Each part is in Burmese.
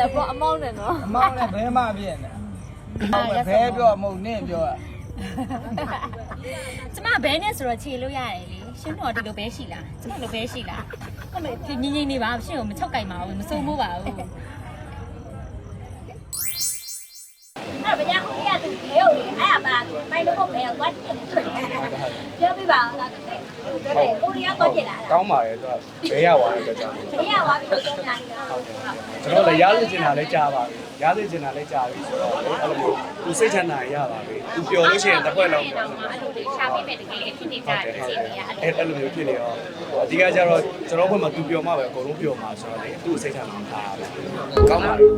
了不အမောင်းနဲ့နော်အမောင်းနဲ့ဘဲမပြည့်နေဘဲပြောမဟုတ်နင့်ပြောကျမဘဲနဲ့ဆိုတော့ခြေလို့ရတယ်လေရှင်းတော့ဒီလိုပဲရှိလားကျမလိုပဲရှိလားဟုတ်မယ်ဒီငင်းငင်းနေပါရှင်းကိုမချုပ်ကြိုက်ပါဘူးမစိုးမိုးပါဘူးအဲ့ဗျာဟိုရသူလေဟုတ်လေအဲ့အပါမိုင်းလို့ဟုတ်ပဲသွားကြည့်ပြောပြပါအောင်လားတဲ့ကိုရီးယားသွားကြည့်လားကောင်းပါတယ်သူကဘဲရသွားတဲ့အတွက်ကြောင့်ဘေးရသွားပြီလို့ပြောနေတာကျွန်တော်လည်းရားသိချင်တာလည်းကြားပါပြီရားသိချင်တာလည်းကြားပြီဆိုတော့အဲ့လိုမျိုးသူစိတ်ချမ်းသာရပါပြီသူပျော်လို့ရှိရင်တစ်ခွက်လုံးတော့မှအဲ့လိုလေးရှာပေးမယ်တကယ်ဖြစ်နေကြတယ်အခြေအနေကအဲ့လိုမျိုးဖြစ်နေတော့အဓိကကျတော့ကျွန်တော်ဘက်မှာသူပျော်မှပဲအကုန်လုံးပျော်မှာဆိုတော့လေသူ့စိတ်ချမ်းသာတာပဲကောင်းပါလေ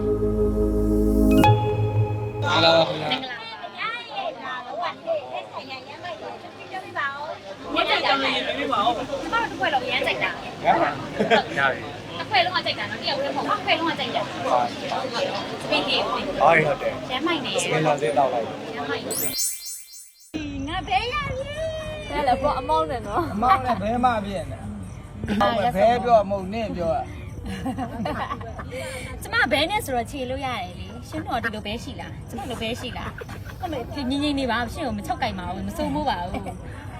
ဟာလာမင်္ဂလာပါညာရဲ့ဒါတော့အဲ့ဆိုင်ရရမ်းလိုက်တော့ပြောပြပါအောင်ညကြတာလည်းပြောပြပါအောင်ကျမတို့တစ်ခွက်လုံးရမ်းကြိုက်တာဟမ်ရတယ်တစ်ခွက်လုံးကကြိုက်တာနော်တယောက်တည်းမဟုတ်တစ်ခွက်လုံးကကြိုက်တာစပင်းလေးဟုတ်တယ်ရမ်းမိုက်နေစပင်းလာစေးတောက်လိုက်ရမ်းမိုက်ငါဘဲရပြီတယ်了不အမောင်းနဲ့နော်အမောင်းနဲ့ဘဲမပြည့်နေဘဲပြောမဟုတ်နင့်ပြောကျမဘဲနဲ့ဆိုတော့ခြေလို့ရတယ်လေရှင်းတော့ဒီလိုပဲရှိလားကျမလိုပဲရှိလားဟုတ်မယ်ဒီငင်းငင်းနေပါရှင်းကိုမချုပ်ကြိုက်ပါဘူးမစိုးမိုးပါဘူးအဲ့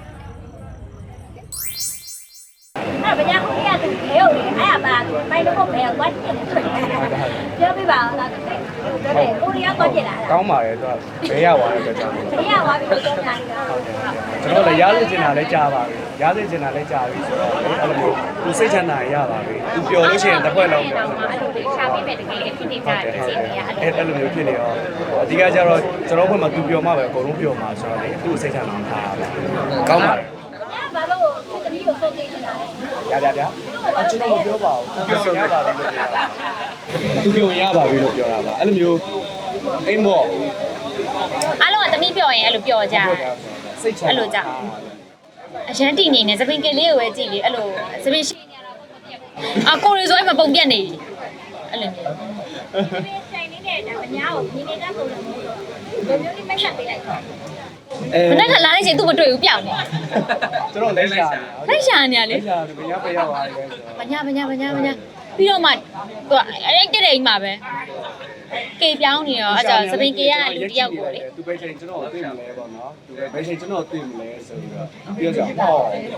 ဗျာဟိုရသူလေဟုတ်လေအဲ့အပါမိုင်းလို့ဟုတ်ပဲသွားကြည့်ပြောပြပါအောင်လားတဲ့ကိုရီးယားသွားကြည့်လားကောင်းပါတယ်သူကဘဲရသွားတဲ့အတွက်ကြောင့်ဘေးရသွားပြီလို့ပြောနေတာကျွန်တော်လည်းရားသိချင်တာလည်းကြားပါပြီရားသိချင်တာလည်းကြားပြီဆိုတော့အဲ့လိုမျိုးသူစိတ်ချမ်းသာရပါပြီသူပျော်လို့ရှိရင်တစ်ခွက်လုံးတော့မှအဲ့လိုလေးရှာပေးမယ်တကယ်ဖြစ်နေကြတယ်အခြေအနေကအဲ့လိုမျိုးဖြစ်နေတော့အဓိကကျတော့ကျွန်တော်ဘက်မှာသူပျော်မှပဲအကုန်လုံးပျော်မှာဆိုတော့လေသူ့စိတ်ချမ်းသာတာပဲကောင်းပါတယ်ဘာလို့သမီးကိုဆုံးနေနေတာလဲဗျာကျွန်တော်မပြောပါဘူးသူပျော်ရပါပြီလို့ပြောတာသူပျော်ရပါပြီလို့ပြောတာပါအဲ့လိုမျိုးအိမ်မော့အားလုံးကသမီးပြောရင်အဲ့လိုပြောကြစိတ်ချမ်းအဲ့လိုကြအရန်တီနေနေသပင်ကလေးကိုပဲကြည့်လေအဲ့လိုသပင်ရှိနေရတာပေါ့ကိုရီဆိုအဲ့မှာပုံပြက်နေအဲ့လိုမျိုးဆိုင်နေတဲ့ဒါအများကိုညီနေတဲ့ပုံစံမျိုးလိုမျိုးလေးမဆက်ပေးလိုက်တော့မနေ့ကလာလိုက်ချင်းသူ့မတွေ့ဘူးပြောင်းနေကျွန်တော်လက်ရှာလက်ရှာနေရလေလက်ရှာဘယ်ရောက်သွားလဲဆိုတော့မညာပြီးတော့မှသူကအဲ့တဲ့အိမ်မှာပဲကေပြောင်းနေရောအဲ့ဒါစပင်ကေကအလူတယောက်ကိုလေသူပဲချိန်ကျွန်တော်သိမလဲပေါ့နော်သူပဲဘယ်ချိန်ကျွန်တော်သိမလဲဆိုပြီးတော့ပြောကြဟော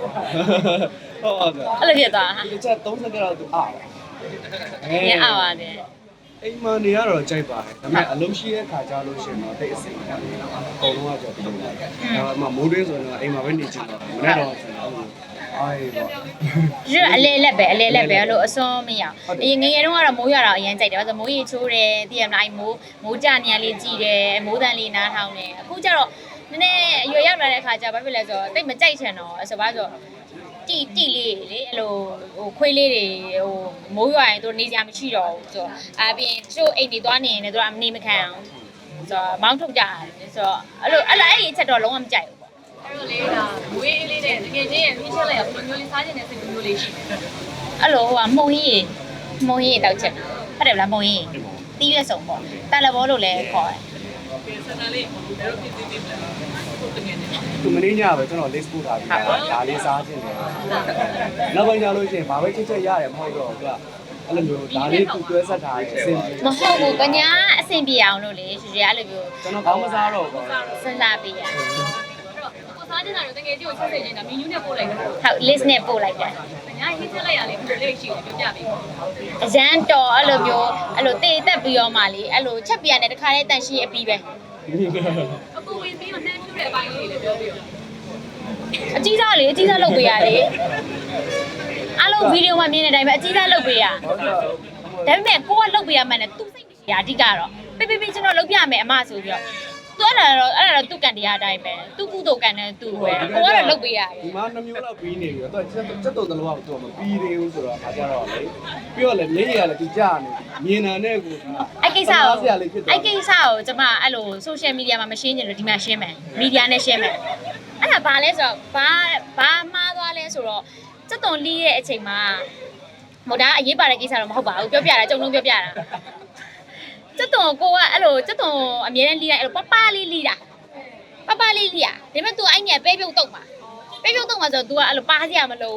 အဲ့လိုဖြစ်သွားဒီချက်30ကျော်သူအားငင်းအားပါတယ်အိမ်မနေရတော့ကြိုက်ပါတယ်ဒါပေမဲ့အလုံးရှိတဲ့ခါကြလို့ရှင်တော့တိတ်အစိမ့်တယ်အကုန်လုံးကကြောက်ပြီးတော့ဒါမှမိုးတွင်းဆိုရင်အိမ်မှာပဲနေချင်တော့မနေ့တော့အေးပေါ့ဒီအလဲလက်ပဲအဲ့လိုအစွန်းမရအောင်အရင်ငယ်ငယ်တုန်းကတော့မိုးရွာတော့အရင်ကြိုက်တယ်ဘာလို့မိုးရေချိုးတယ်တည်ရမလားမိုးကြနေရလေးကြည်တယ်မိုးတန်လေးနားထောင်တယ်အခုကျတော့နည်းနည်းအရွယ်ရောက်လာတဲ့အခါကျဘာဖြစ်လဲဆိုတော့တိတ်မကြိုက်ချင်တော့ဆိုပါဆိုတီလေးလေအဲ့လိုဟိုခွေးလေးတွေဟိုမိုးရွာရင်သူနေကြမရှိတော့ဘူးဆိုတော့အပြင်တချို့အိမ်တွေသွားနေရင်လည်းသူကမနေမခံအောင်ဆိုတော့မောင်းထုတ်ကြတယ်ဆိုတော့အဲ့ဒီအချက်တော့လုံးဝမကြိုက်ဘူးအဲ့လိုလေးဒါမွေးအေးလေးနဲ့တကယ်ချင်းရဲ့မိချက်လိုက်ရဘယ်လိုမျိုးလေးစားချင်တဲ့စိတ်မျိုးလေးရှိတယ်အဲ့လိုဟိုကမှုံကြီးတောက်ချက်ဟုတ်တယ်ဗလားမှုံကြီးတီးရွက်စုံပေါ့တာလဘောလို့လည်းခေါ်တယ်ဆန္ဒလေးဘယ်လိုဖြစ်သေးသေးလဲဟုတ်တယ်နေသူမင်းညပဲကျွန်တော် list ပို့ထားပြီးဒါလေးစားခြင်းတယ်နောက်ပိုင်းကျလို့ရှိရင်ဘာပဲချက်ရတယ်မဟုတ်တော့သူကအဲ့လိုမျိုးဒါလေးသူတွဲဆက်ထားတယ်အဆင်ပြေမဟုတ်ဘူးကညာအဆင်ပြေအောင်လို့လေရွှေအဲ့လိုမျိုးကျွန်တော်ကောင်းမစားတော့ဘူးစဉ်းစားပေးရကိုစားချင်တာတွေတကယ်ကြီးကိုချက်စေချင်တာမီနူးနဲ့ပို့လိုက်တယ်ဟုတ် list နဲ့ပို့လိုက်တယ်ညာဟင်းချက်လိုက်ရလေဘယ်လိုလေးရှိလဲပြောပြပေးအရန်တော်အဲ့လိုမျိုးအဲ့လိုတေးတက်ပြီးတော့မှလေအဲ့လိုချက်ပြရတယ်တခါလေးတန်ရှင်းအပြီးပဲအခုဝင်ပြီးတော့နှမ်းဖြူတဲ့အပိုင်းလေးတွေပြောပြရောအကြီးစားလုပ်ပေးရတယ်အားလုံးဗီဒီယိုမှာမြင်တဲ့အတိုင်းပဲအကြီးစားလုပ်ပေးရဒါပေမဲ့ကိုကလုပ်ပေးရမှန်းနဲ့သူစိတ်မရှိရအဓိကတော့ပေးကျွန်တော်လုပ်ပြမယ်အမဆိုပြီးတော့သူအဲ့ဒါတော့သူ့ကန်တရားအတိုင်းပဲသူ့ကုသိုလ်ကန်နဲ့သူ့ပဲကိုကတော့လုပ်ပေးရတယ်ဒီမှာ2မျိုးလောက်ပြီးနေပြီတော့ချက်တုံတလုံးကသူမပြီးသေးဘူးဆိုတော့အခါကျတော့လေပြီးတော့လေမျက်ရည်ကလည်းသူကြာနေမြင်တာနဲ့ကိုအဲ့ကိစ္စကိုကျွန်မအဲ့လို social media မှာမရှင်းချင်လို့ဒီမှာရှင်းမယ် media နဲ့ရှင်းမယ်အဲ့ဒါဘာလဲဆိုတော့ဘာမှားသွားလဲဆိုတော့စက်တုံလီးရဲ့အချိန်မှာဟိုဒါအရေးပါတဲ့ကိစ္စတော့မဟုတ်ပါဘူးပြောပြတာကြုံလုံးပြောပြတာစက်တုံကိုကအဲ့လိုစက်တုံအမြဲတမ်းလီးလိုက်အဲ့လိုပပလေးလီးတာဒါပေမဲ့ तू အဲ့ညပဲပြုတ်တော့မှာဆို तू ကအဲ့လိုပါစရာမလိုဘူး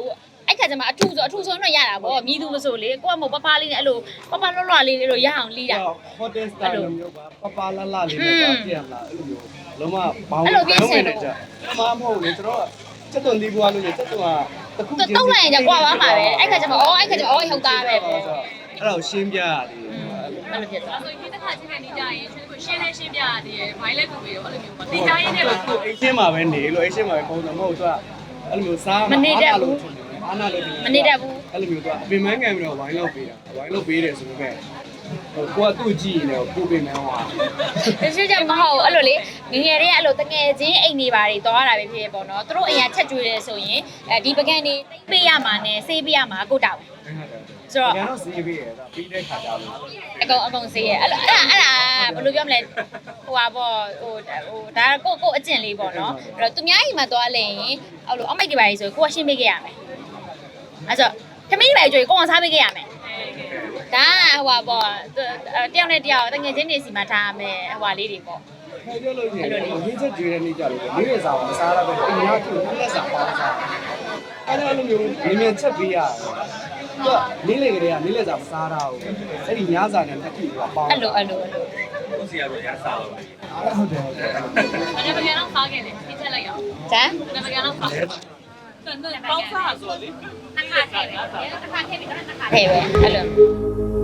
အဲ့ခါကျမှအထူဆိုတော့ရတာပေါ့မြည်သူမဆိုလေကိုကမပပလေးနဲ့အဲ့လိုပပလွတ်လွတ်လေးလို့ရအောင်လီးတာဟိုတယ်စတာလိုမျိုးပါပပလာလာလေးနဲ့ပါပြန်လာအဲ့လိုမျိုးလုံးဝဘောင်းဝင်နေကြမမဟုတ်လေကျွန်တော်စက်သွန်လီးပွားလို့စက်သွန်ကတခုချင်းတော့လိုက်ရင်ကြကွာပါမှာပဲအဲ့ခါကျမှဟုတ်သားပဲပေါ့အဲ့ဒါကိုရှင်းပြရတယ်အဲ့လိုဖြစ်သွားဆိုရင်ဒီတစ်ခါချင်းနေကြရင်ကိုရှင်းနေရှင်းပြရတယ်ဘိုင်းလက်ကူပြီးတော့အဲ့လိုမျိုးပေါ့တင်ကြရင်းနဲ့ပါအိတ်ရှင်းမှာပဲနေလို့အိတ်ရှင်းမှာပဲပုံစံမဟုတ်သူကအဲ့လိုမျိုးစားအာနာလို့အဲ့လိုမျိုးသူကအပင်မခံပြီးတော့ဝိုင်းလောက်ပေးတာဝိုင်းလောက်ပေးတယ်ဆိုတော့ပဲကိုကသူ့ကြည့်နေတော့ကိုပင်မဟွာတချို့ကျမဟုတ်အဲ့လိုလေငငယ်တွေကအဲ့လိုတငယ်ချင်းအိမ်နေပါတွေသွားတာပဲဖြစ်ပေါ့နော်သူတို့အရင်ချက်ကျွေးတယ်ဆိုရင်ဒီပကံနေပေးရမှာနဲ့ဆေးပေးရမှာကိုတောက်ဆိုတော့ကျွန်တော်စီးပေးရတာပြီးတဲ့ခါကြလို့အကုန်ဆေးရအဲ့လိုအဲ့ဒါဘယ်လိုပြောမလဲဟိုပါပေါ့ဟိုဒါကိုအကျင့်လေးပေါ့နော်အဲ့တော့သူများအိမ်မှာသွားလဲရင်အဲ့လိုအမိတ်တွေပါလေဆိုကိုကရှင်းပေးခဲ့ရမယ်အဲ့ဆိုသမီးတွေပဲကြွေကိုအောင်စားပေးခဲ့ရမယ်ဒါဟိုပါပေါ့တယောက်နဲ့တယောက်တငယ်ချင်းတွေစီမှာထားရမယ်ဟိုပါလေးတွေပေါ့ခဲပြောလို့ရတယ်ရင်းချက်ကျွေးတဲ့နေ့ကြလို့နေ့ရက်စာမစားရပဲအိမ်ရောက်သူလက်စာပေါင်းစားအဲ့ဒါလိုမျိုးမြင်မြင်ချက်ပေးရတယ်သူကနေ့လေကလေးကနေ့လက်စာမစားတော့ဘူးအဲ့ဒီညစာနဲ့တစ်ခုကပေါင်းအဲ့လိုဟုတ်စီရတော့ရစားတော့ဟုတ်တယ်အဲ့ဒါပကံတော့စားခဲ့တယ်ပြင်ချက်လိုက်အောင်ဇမ်ဒါပကံတော့စားတယ်ပေါင်းစားဆိုတော့လေထည့်ပဲအဲ့လို